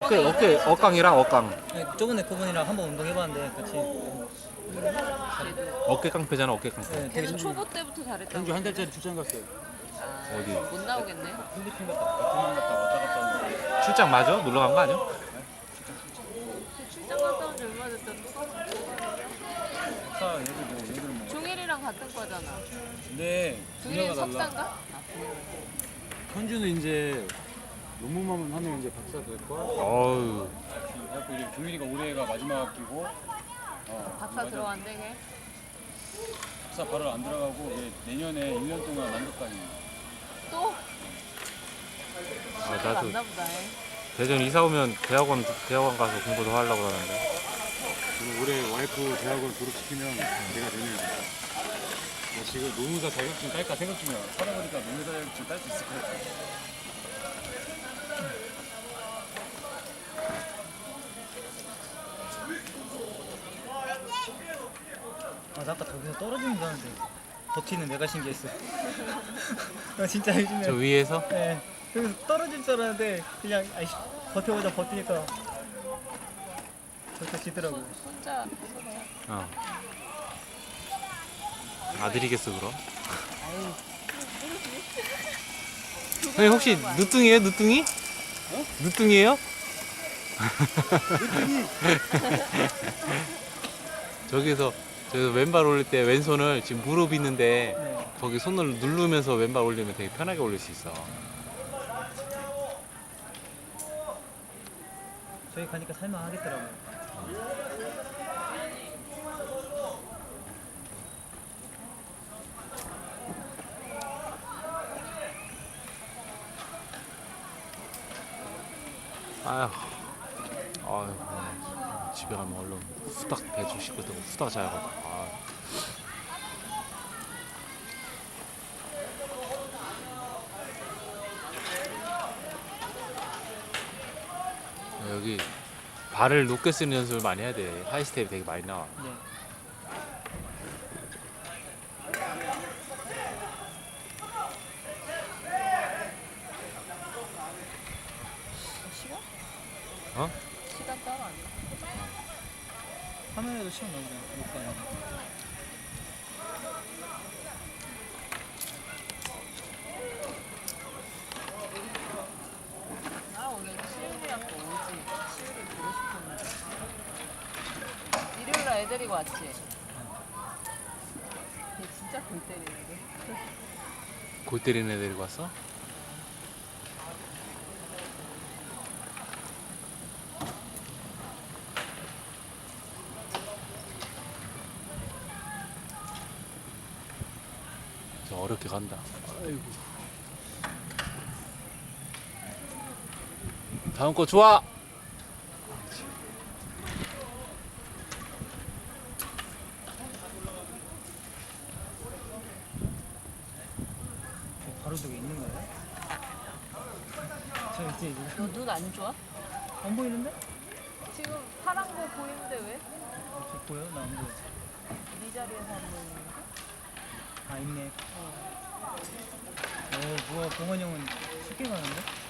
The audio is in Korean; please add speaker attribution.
Speaker 1: 어깡이랑 어깡.
Speaker 2: 네, 저번에 그분이랑 한번 운동해봤는데 같이.
Speaker 1: 어깨 깡패잖아, 어깨 깡패.
Speaker 2: 네, 되게
Speaker 3: 걔는 초보 때부터 잘했다고.
Speaker 4: 경주 한 달짜리 출장 갔어요.
Speaker 3: 아,
Speaker 1: 어디?
Speaker 3: 못 나오겠네.
Speaker 4: 필리핀 갔다 베트남 갔다 왔다 갔다 하는데
Speaker 1: 출장 맞아? 놀러 간 거 아니야?
Speaker 3: 그 출장 갔다 온 지 얼마 됐다고?
Speaker 4: 사 얘들 뭐
Speaker 3: 종일이랑 같은 거잖아.
Speaker 4: 근데
Speaker 3: 종일이는
Speaker 4: 분야가 달라.
Speaker 3: 석사인가?
Speaker 4: 현주는 이제 논문만 하면 이제 박사 될 거야.
Speaker 1: 어우.
Speaker 4: 그래갖고 이제 종일이가 올해가 마지막 학기고
Speaker 3: 박사 들어간대 걔.
Speaker 4: 박사 바로 안 들어가고 얘 내년에 1년 동안 남극까지.
Speaker 3: 또?
Speaker 1: 아,
Speaker 3: 시간
Speaker 1: 나도
Speaker 3: 났나 보다. 얘.
Speaker 1: 대전 이사 오면 대학원 가서 공부 더 하려고 그러는데.
Speaker 4: 그리고 올해 와이프 대학원 졸업시키면 내가 내년에 갈 거야. 나 지금 노무사 자격증 딸까 생각 중이야. 살아보니까 노무사 자격증 딸 수 있을 것 같아.
Speaker 2: 아, 나 아까 저기서 떨어지는 줄 알았는데 버티는 내가 신기했어. 나 진짜 요즘에.
Speaker 1: 저 위에서?
Speaker 2: 네, 여기서 떨어질 줄 알았는데 그냥 아이씨, 버텨보자 버티니까 버텨지더라고.
Speaker 3: 손자.
Speaker 1: 어. 아들이겠어, 그럼?
Speaker 3: 아유.
Speaker 1: 형님 혹시 누뚱이에요, 누뚱이?
Speaker 4: 어?
Speaker 1: 누뚱이에요? 저기서 왼발 올릴 때 왼손을 지금 무릎 있는데
Speaker 2: 네.
Speaker 1: 거기 손을 누르면서 왼발 올리면 되게 편하게 올릴 수 있어.
Speaker 2: 저기 가니까 살만하겠더라고요.
Speaker 1: 아휴, 집에 가면 얼른 후딱 배추 씻고 있다고 후딱 자야겠다. 여기 발을 높게 쓰는 연습을 많이 해야 돼. 하이스텝이 되게 많이 나와.
Speaker 2: 네.
Speaker 3: 시간?
Speaker 1: 어?
Speaker 3: 시간 따로 아니야?
Speaker 2: 화면에도 시간 나오잖아. 못 가요.
Speaker 3: 나 오늘 시율이랑 또 오지. 시율이 보고 싶었는데. 일요일날 애 데리고 왔지? 얘 진짜 골 때리는데.
Speaker 1: 골 때리는 애 데리고 왔어? 저 어렵게 간다. 아이고. 다음 거 좋아.
Speaker 2: 바로 저기 있는 거예요? 저 이제
Speaker 3: 너 눈 안 좋아?
Speaker 2: 안 보이는데?
Speaker 3: 지금 파란 거 보이는데 왜?
Speaker 2: 저 보여? 나 안 보여.
Speaker 3: 네 자리에서 안 보이는데?
Speaker 2: 아, 있네. 오, 뭐야, 봉원 형은 쉽게 가는데?